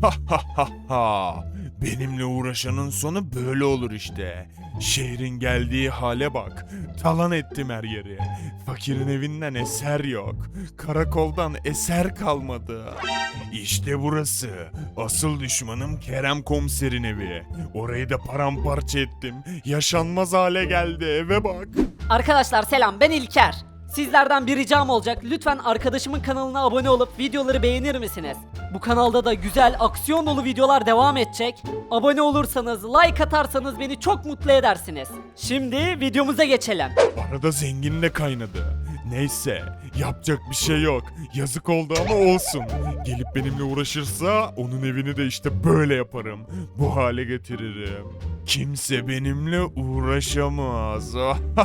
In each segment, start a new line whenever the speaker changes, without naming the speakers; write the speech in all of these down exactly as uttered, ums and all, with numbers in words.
Ha ha ha ha. Benimle uğraşanın sonu böyle olur işte. Şehrin geldiği hale bak. Talan ettim her yeri. Fakirin evinden eser yok. Karakoldan eser kalmadı. İşte burası. Asıl düşmanım Kerem Komiser'in evi. Orayı da paramparça ettim. Yaşanmaz hale geldi, eve bak.
Arkadaşlar selam, ben İlker. Sizlerden bir ricam olacak. Lütfen arkadaşımın kanalına abone olup videoları beğenir misiniz? Bu kanalda da güzel aksiyon dolu videolar devam edecek. Abone olursanız, like atarsanız beni çok mutlu edersiniz. Şimdi videomuza geçelim.
Arada zengin de kaynadı. Neyse, yapacak bir şey yok. Yazık oldu ama olsun. Gelip benimle uğraşırsa onun evini de işte böyle yaparım. Bu hale getiririm. Kimse benimle uğraşamaz.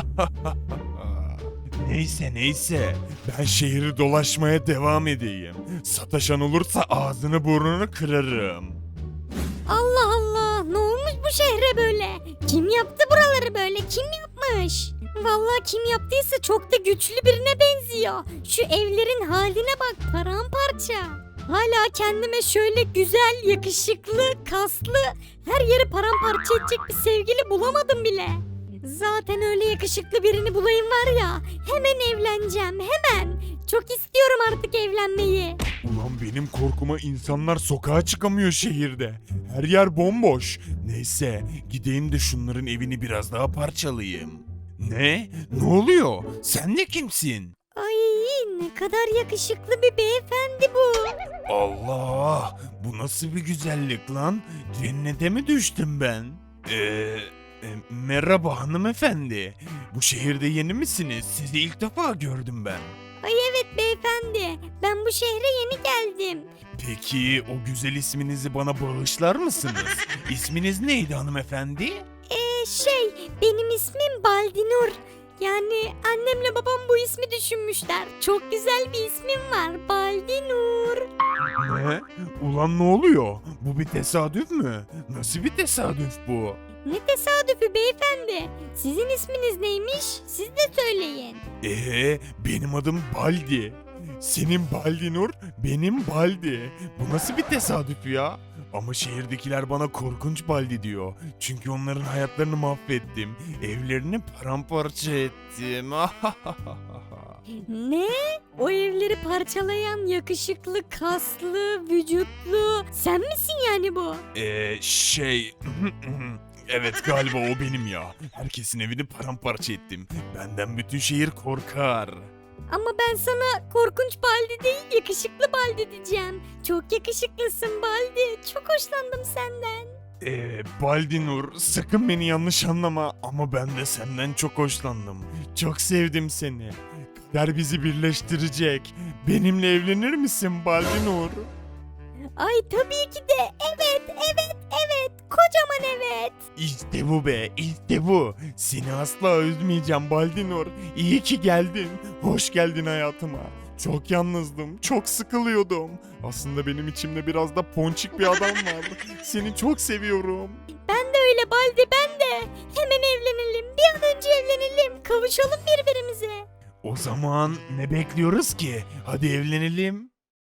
Neyse neyse, ben şehri dolaşmaya devam edeyim. Sataşan olursa ağzını burnunu kırarım.
Allah Allah, ne olmuş bu şehre böyle? Kim yaptı buraları böyle? Kim yapmış? Vallahi kim yaptıysa çok da güçlü birine benziyor. Şu evlerin haline bak, paramparça. Hala kendime şöyle güzel, yakışıklı, kaslı, her yeri paramparça edecek bir sevgili bulamadım bile. Zaten öyle yakışıklı birini bulayım var ya, hemen evleneceğim, hemen. Çok istiyorum artık evlenmeyi.
Ulan benim korkuma insanlar sokağa çıkamıyor şehirde. Her yer bomboş. Neyse, gideyim de şunların evini biraz daha parçalayayım. Ne? Ne oluyor? Sen de kimsin?
Ay, ne kadar yakışıklı bir beyefendi bu.
Allah! Bu nasıl bir güzellik lan? Cennete mi düştüm ben? Eee... e, merhaba hanımefendi. Bu şehirde yeni misiniz? Sizi ilk defa gördüm ben.
Ay evet beyefendi, ben bu şehre yeni geldim.
Peki o güzel isminizi bana bağışlar mısınız? İsminiz neydi hanımefendi?
Ee şey, benim ismim Baldinur. Yani annemle babam bu ismi düşünmüşler. Çok güzel bir ismim var, Baldinur.
Ne? Ulan ne oluyor? Bu bir tesadüf mü? Nasıl bir tesadüf bu?
Ne tesadüfü beyefendi. Sizin isminiz neymiş? Siz de söyleyin.
Ee, benim adım Baldi. Senin Baldinur, benim Baldi. Bu nasıl bir tesadüf ya? Ama şehirdekiler bana korkunç Baldi diyor. Çünkü onların hayatlarını mahvettim. Evlerini paramparça ettim.
Ne? O evleri parçalayan yakışıklı, kaslı, vücutlu. Sen misin yani bu?
Ee, şey... Evet galiba o benim ya. Herkesin evini paramparça ettim. Benden bütün şehir korkar.
Ama ben sana korkunç Baldi değil, yakışıklı Baldi diyeceğim. Çok yakışıklısın Baldi. Çok hoşlandım senden.
Ee, Baldinur sakın beni yanlış anlama ama ben de senden çok hoşlandım. Çok sevdim seni. Kader bizi birleştirecek. Benimle evlenir misin Baldinur?
Ay tabii ki de. Evet, evet, evet. Kocaman evet.
İşte bu be, işte bu. Seni asla üzmeyeceğim Baldinur. İyi ki geldin. Hoş geldin hayatıma. Çok yalnızdım, çok sıkılıyordum. Aslında benim içimde biraz da ponçik bir adam var. Seni çok seviyorum.
Ben de öyle Baldi, ben de. Hemen evlenelim. Bir an önce evlenelim. Kavuşalım birbirimize.
O zaman ne bekliyoruz ki? Hadi evlenelim.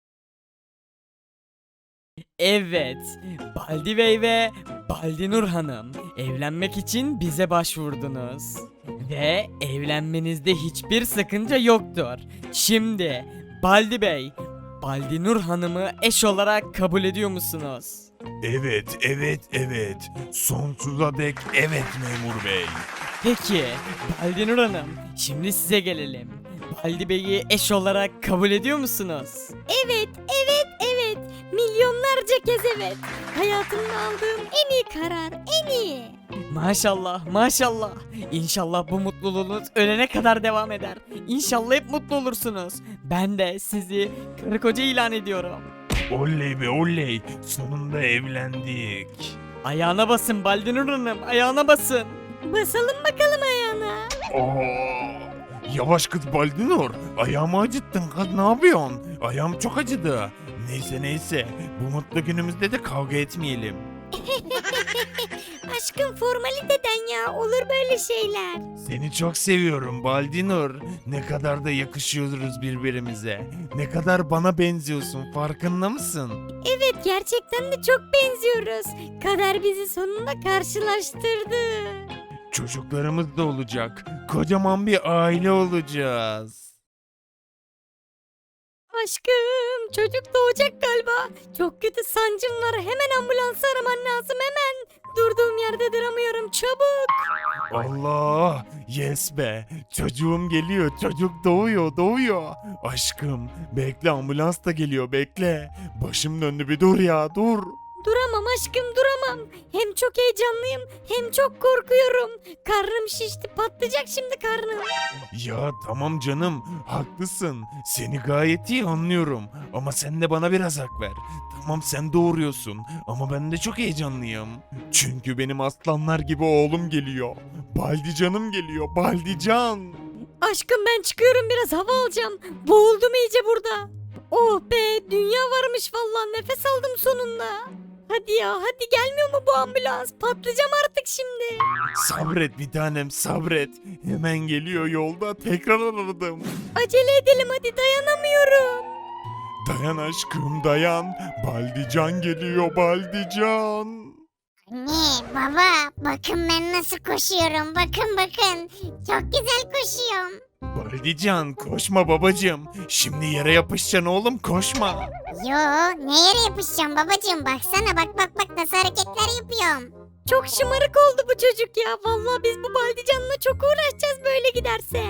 Evet, Baldi Bey ve Baldinur Hanım evlenmek için bize başvurdunuz. Ve evlenmenizde hiçbir sakınca yoktur. Şimdi Baldi Bey, Baldinur Hanım'ı eş olarak kabul ediyor musunuz?
Evet, evet, evet. Sonsuza dek evet memur bey.
Peki, Baldinur Hanım, şimdi size gelelim. Baldi Bey'i eş olarak kabul ediyor musunuz?
Evet, evet, evet. Milyonlarca kez evet. Hayatımda aldığım en iyi karar, en iyi.
Maşallah, maşallah. İnşallah bu mutluluğunuz ölene kadar devam eder. İnşallah hep mutlu olursunuz. Ben de sizi karı koca ilan ediyorum.
Oley be oley. Sonunda evlendik.
Ayağına basın Baldinur Hanım, ayağına basın.
Basalım bakalım ayağına.
Oo. Yavaş kız Baldinur. Ayağımı acıttın kız, ne yapıyorsun? Ayağım çok acıdı. Neyse neyse. Bu mutlu günümüzde de kavga etmeyelim.
Aşkım formaliteden ya olur böyle şeyler.
Seni çok seviyorum Baldinur. Ne kadar da yakışıyoruz birbirimize. Ne kadar bana benziyorsun, farkında mısın?
Evet gerçekten de çok benziyoruz. Kader bizi sonunda karşılaştırdı.
Çocuklarımız da olacak. Kocaman bir aile olacağız.
Aşkım çocuk doğacak galiba. Çok kötü sancım var. Hemen ambulansı araman lazım hemen. Durduğum yerde duramıyorum çabuk.
Allah! Yes be! Çocuğum geliyor, çocuk doğuyor, doğuyor. Aşkım, bekle ambulans da geliyor, bekle. Başım döndü bir dur ya, dur.
Duramam aşkım duramam. Hem çok heyecanlıyım hem çok korkuyorum. Karnım şişti patlayacak şimdi karnım.
Ya tamam canım, haklısın. Seni gayet iyi anlıyorum. Ama sen de bana biraz hak ver. Tamam sen doğuruyorsun ama ben de çok heyecanlıyım. Çünkü benim aslanlar gibi oğlum geliyor. Baldicanım geliyor, Baldican.
Aşkım ben çıkıyorum biraz hava alacağım. Boğuldum iyice burada. Oh be dünya varmış vallahi nefes aldım sonunda. Hadi ya hadi gelmiyor mu bu ambulans? Patlayacağım artık şimdi.
Sabret bir tanem, sabret. Hemen geliyor yolda, tekrar aradım.
Acele edelim hadi dayanamıyorum.
Dayan aşkım dayan. Baldican geliyor, Baldican.
Anne, baba, bakın ben nasıl koşuyorum. Bakın bakın. Çok güzel koşuyorum.
Baldican koşma babacığım. Şimdi yere yapışacaksın oğlum, koşma.
Yo, ne yere yapışacağım babacığım? Baksana bak bak bak nasıl hareketler yapıyorum.
Çok şımarık oldu bu çocuk ya. Vallahi biz bu Baldican'la çok uğraşacağız böyle giderse.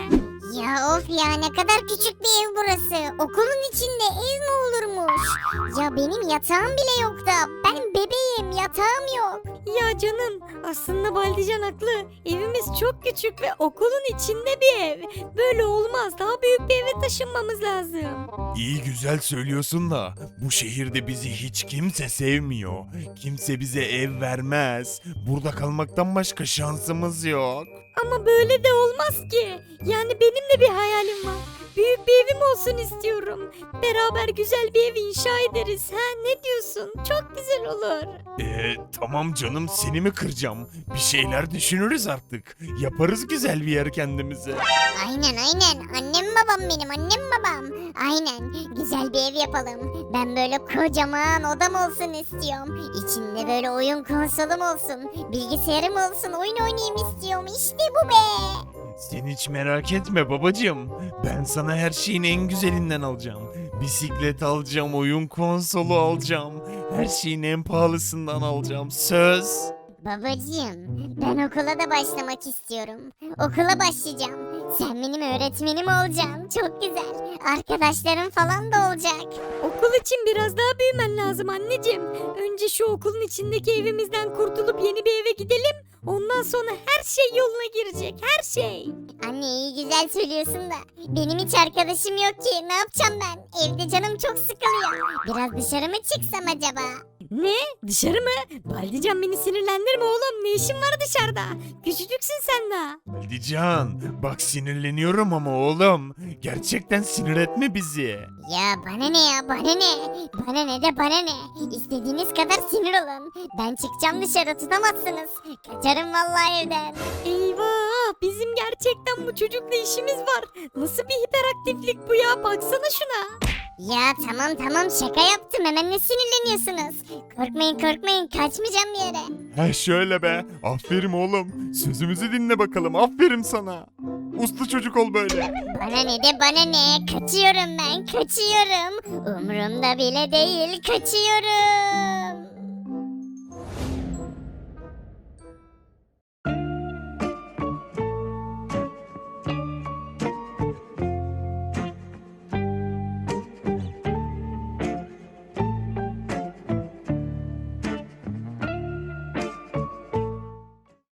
Ya of ya ne kadar küçük bir ev burası. Okulun içinde ev mi olurmuş? Ya benim yatağım bile yok da. Ben bebeğim yatağım yok.
Ya canım aslında Baldican haklı. Evimiz çok küçük ve okulun içinde bir ev. Böyle olmaz. Daha büyük bir eve taşınmamız lazım.
İyi güzel söylüyorsun da bu şehirde bizi hiç kimse sevmiyor. Kimse bize ev vermez. Burada kalmaktan başka şansımız yok.
Ama böyle de olmaz ki. Yani benim de bir hayalim var. Büyük bir evim olsun istiyorum. Beraber güzel bir ev inşa ederiz. Ha ne diyorsun? Çok güzel olur.
Eee tamam canım, seni mi kıracağım? Bir şeyler düşünürüz artık. Yaparız güzel bir yer kendimize.
Aynen aynen. Annem babam benim annem babam. Aynen. Güzel bir ev yapalım. Ben böyle kocaman odam olsun istiyorum. İçinde böyle oyun konsolum olsun. Bilgisayarım olsun. Oyun oynayayım istiyorum. İşte bu be.
Sen hiç merak etme babacığım. Ben sana her şeyin en güzelinden alacağım. Bisiklet alacağım, oyun konsolu alacağım. Her şeyin en pahalısından alacağım. Söz.
Babacığım, ben okula da başlamak istiyorum. Okula başlayacağım. Sen benim öğretmenim olacaksın. Çok güzel. Arkadaşlarım falan da olacak.
Okul için biraz daha büyümen lazım anneciğim. Önce şu okulun içindeki evimizden kurtulup yeni bir eve gidelim. Ondan sonra her şey yoluna girecek. Her şey.
Anne iyi güzel söylüyorsun da. Benim hiç arkadaşım yok ki. Ne yapacağım ben? Evde canım çok sıkılıyor. Biraz dışarı mı çıksam acaba?
Ne? Dışarı mı? Baldican beni sinirlendirme oğlum. Ne işin var dışarıda? Küçücüksün sen daha.
Baldican, bak sinirleniyorum ama oğlum. Gerçekten sinir etme bizi.
Ya bana ne ya bana ne? Bana ne de bana ne? İstediğiniz kadar sinir olun. Ben çıkacağım dışarı tutamazsınız. Kaçarım vallahi evden.
Eyvah! Bizim gerçekten bu çocukla işimiz var. Nasıl bir hiperaktiflik bu ya? Baksana şuna.
Ya tamam tamam şaka yaptım hemen ne sinirleniyorsunuz? Korkmayın korkmayın kaçmayacağım bir yere.
He şöyle be. Aferin oğlum. Sözümüzü dinle bakalım. Aferin sana. Uslu çocuk ol böyle.
Bana ne de bana ne kaçıyorum ben kaçıyorum. Umurumda bile değil kaçıyorum.